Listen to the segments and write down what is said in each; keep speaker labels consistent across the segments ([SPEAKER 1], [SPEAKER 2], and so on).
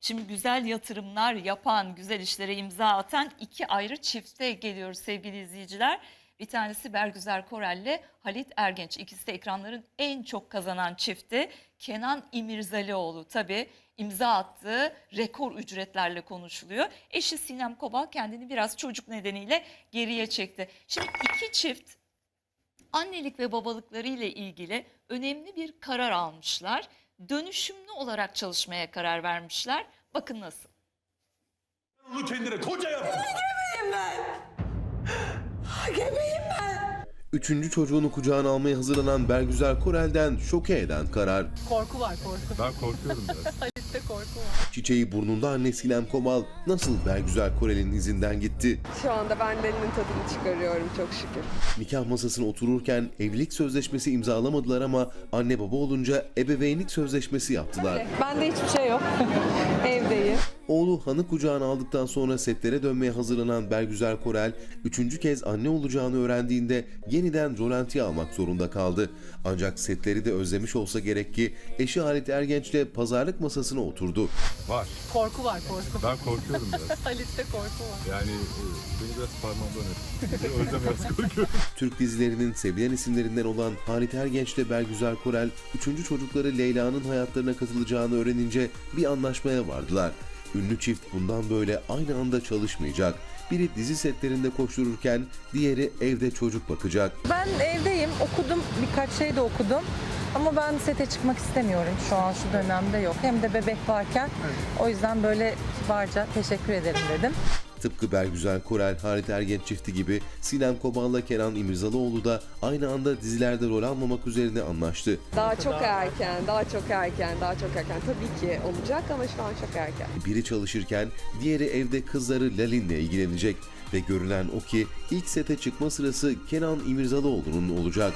[SPEAKER 1] Şimdi güzel yatırımlar yapan, güzel işlere imza atan iki ayrı çifte geliyoruz sevgili izleyiciler. Bir tanesi Bergüzar Korel'le Halit Ergenç. İkisi de ekranların en çok kazanan çifti. Kenan İmirzalıoğlu tabii imza attığı rekor ücretlerle konuşuluyor. Eşi Sinem Kobal kendini biraz çocuk nedeniyle geriye çekti. Şimdi iki çift annelik ve babalıkları ile ilgili önemli bir karar almışlar. Dönüşümlü olarak çalışmaya karar vermişler. Bakın nasıl.
[SPEAKER 2] Onu kendine koca yaptın.
[SPEAKER 3] Gebeyim ben. Gebeyim ben.
[SPEAKER 4] Üçüncü çocuğunu kucağına almaya hazırlanan Bergüzar Korel'den şoke eden karar.
[SPEAKER 3] Korku var korku.
[SPEAKER 2] Ben korkuyorum biraz.
[SPEAKER 3] Halit'te korku var.
[SPEAKER 4] Çiçeği burnunda anne Sinem Kobal nasıl Bergüzar Korel'in izinden gitti?
[SPEAKER 5] Şu anda ben de elinin tadını çıkarıyorum çok şükür.
[SPEAKER 4] Nikah masasına otururken evlilik sözleşmesi imzalamadılar ama anne baba olunca ebeveynlik sözleşmesi yaptılar.
[SPEAKER 5] Bende hiçbir şey yok. Evdeyim.
[SPEAKER 4] Oğlu Han'ı kucağına aldıktan sonra setlere dönmeye hazırlanan Bergüzar Korel, üçüncü kez anne olacağını öğrendiğinde yeniden rolantiye almak zorunda kaldı. Ancak setleri de özlemiş olsa gerek ki eşi Halit Ergenç'le pazarlık masasına oturdu.
[SPEAKER 2] Var.
[SPEAKER 3] Korku var korku.
[SPEAKER 2] Ben korkuyorum biraz.
[SPEAKER 3] Halit'te korku var.
[SPEAKER 2] Yani beni biraz parmağımdan öp. O yüzden biraz korkuyorum.
[SPEAKER 4] Türk dizilerinin sevilen isimlerinden olan Halit Ergenç ile Bergüzar Korel, üçüncü çocukları Leyla'nın hayatlarına katılacağını öğrenince bir anlaşmaya vardılar. Ünlü çift bundan böyle aynı anda çalışmayacak. Biri dizi setlerinde koştururken diğeri evde çocuk bakacak.
[SPEAKER 6] Ben evdeyim, okudum, birkaç şey de okudum. Ama ben sete çıkmak istemiyorum şu an şu dönemde yok. Hem de bebek varken o yüzden böyle kibarca teşekkür ederim dedim.
[SPEAKER 4] Tıpkı Bergüzar Korel, Halit Ergenç çifti gibi Sinem Kobal'la Kenan İmirzalıoğlu da aynı anda dizilerde rol almamak üzerine anlaştı.
[SPEAKER 5] Daha çok erken. Tabii ki olacak ama şu an çok erken.
[SPEAKER 4] Biri çalışırken diğeri evde kızları Lalin'le ilgilenecek ve görünen o ki ilk sete çıkma sırası Kenan İmirzalıoğlu'nun olacak.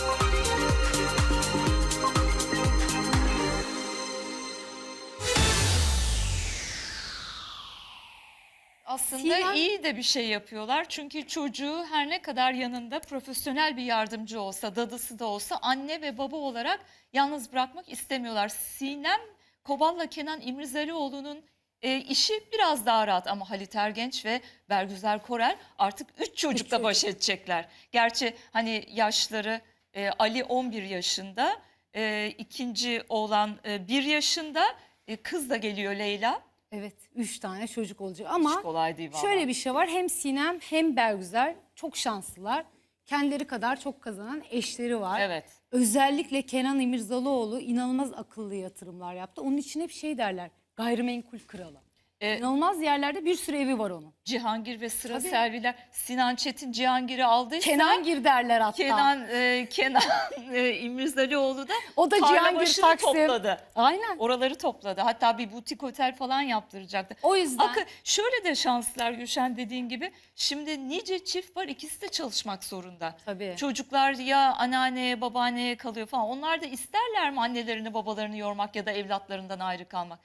[SPEAKER 1] Aslında iyi de bir şey yapıyorlar. Çünkü çocuğu her ne kadar yanında profesyonel bir yardımcı olsa, dadısı da olsa anne ve baba olarak yalnız bırakmak istemiyorlar. Sinem Kobal'la Kenan İmirzalıoğlu'nun işi biraz daha rahat ama Halit Ergenç ve Bergüzar Korel artık 3 çocukla baş edecekler. Gerçi hani yaşları Ali 11 yaşında, ikinci oğlan 1 yaşında, kız da geliyor Leyla.
[SPEAKER 7] Evet, 3 tane çocuk olacak ama
[SPEAKER 1] Hiç kolay değil vallahi.
[SPEAKER 7] şöyle bir şey var. Hem Sinem hem Bergüzar çok şanslılar. Kendileri kadar çok kazanan eşleri var.
[SPEAKER 1] Evet.
[SPEAKER 7] Özellikle Kenan İmirzalıoğlu inanılmaz akıllı yatırımlar yaptı. Onun için hep şey derler, gayrimenkul kralı. İnanılmaz yerlerde bir sürü evi var onun.
[SPEAKER 1] Cihangir ve Sıra
[SPEAKER 7] Tabii.
[SPEAKER 1] Serviler. Sinan Çetin Cihangir'i aldıysa
[SPEAKER 7] Kenangir derler hatta.
[SPEAKER 1] Kenan İmirzalıoğlu da
[SPEAKER 7] O da
[SPEAKER 1] tarla
[SPEAKER 7] Cihangir,
[SPEAKER 1] başını
[SPEAKER 7] Taksim.
[SPEAKER 1] topladı.
[SPEAKER 7] Aynen.
[SPEAKER 1] Oraları topladı. Hatta bir butik otel falan yaptıracaktı.
[SPEAKER 7] O yüzden
[SPEAKER 1] Şöyle de şanslılar Gülşen dediğin gibi. Şimdi nice çift var, ikisi de çalışmak zorunda.
[SPEAKER 7] Tabii.
[SPEAKER 1] Çocuklar ya anneanneye babaanneye kalıyor falan. Onlar da isterler mi annelerini babalarını yormak ya da evlatlarından ayrı kalmak?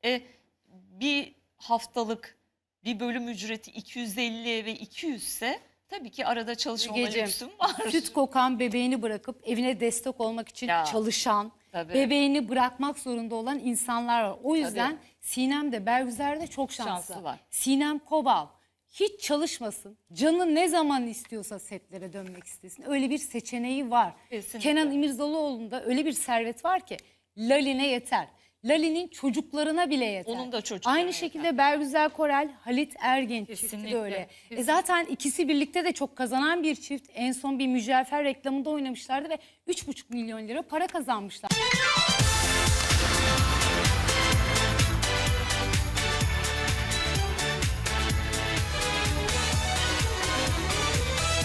[SPEAKER 1] Bir haftalık bir bölüm ücreti 250 ve 200 ise tabii ki arada çalışmama
[SPEAKER 7] Mügeciğim,
[SPEAKER 1] lüksüm var.
[SPEAKER 7] süt kokan bebeğini bırakıp evine destek olmak için
[SPEAKER 1] Ya,
[SPEAKER 7] çalışan,
[SPEAKER 1] tabii.
[SPEAKER 7] bebeğini bırakmak zorunda olan insanlar var. O yüzden
[SPEAKER 1] Tabii.
[SPEAKER 7] Sinem de Bergüzar da çok şanslı.
[SPEAKER 1] Şanslılar.
[SPEAKER 7] Sinem Kobal hiç çalışmasın. Canı ne zaman istiyorsa setlere dönmek istesin. Öyle bir seçeneği var.
[SPEAKER 1] Kesinlikle.
[SPEAKER 7] Kenan İmirzalıoğlu'nda öyle bir servet var ki Lalin'e yeter. Lali'nin çocuklarına bile yeter.
[SPEAKER 1] Onun da çocuklarına
[SPEAKER 7] Aynı
[SPEAKER 1] yeter.
[SPEAKER 7] şekilde Bergüzar Korel, Halit Ergenç çifti
[SPEAKER 1] Kesinlikle,
[SPEAKER 7] de öyle.
[SPEAKER 1] kesinlikle.
[SPEAKER 7] Zaten ikisi birlikte de çok kazanan bir çift. En son bir mücevher reklamında oynamışlardı ve 3,5 milyon lira para kazanmışlar.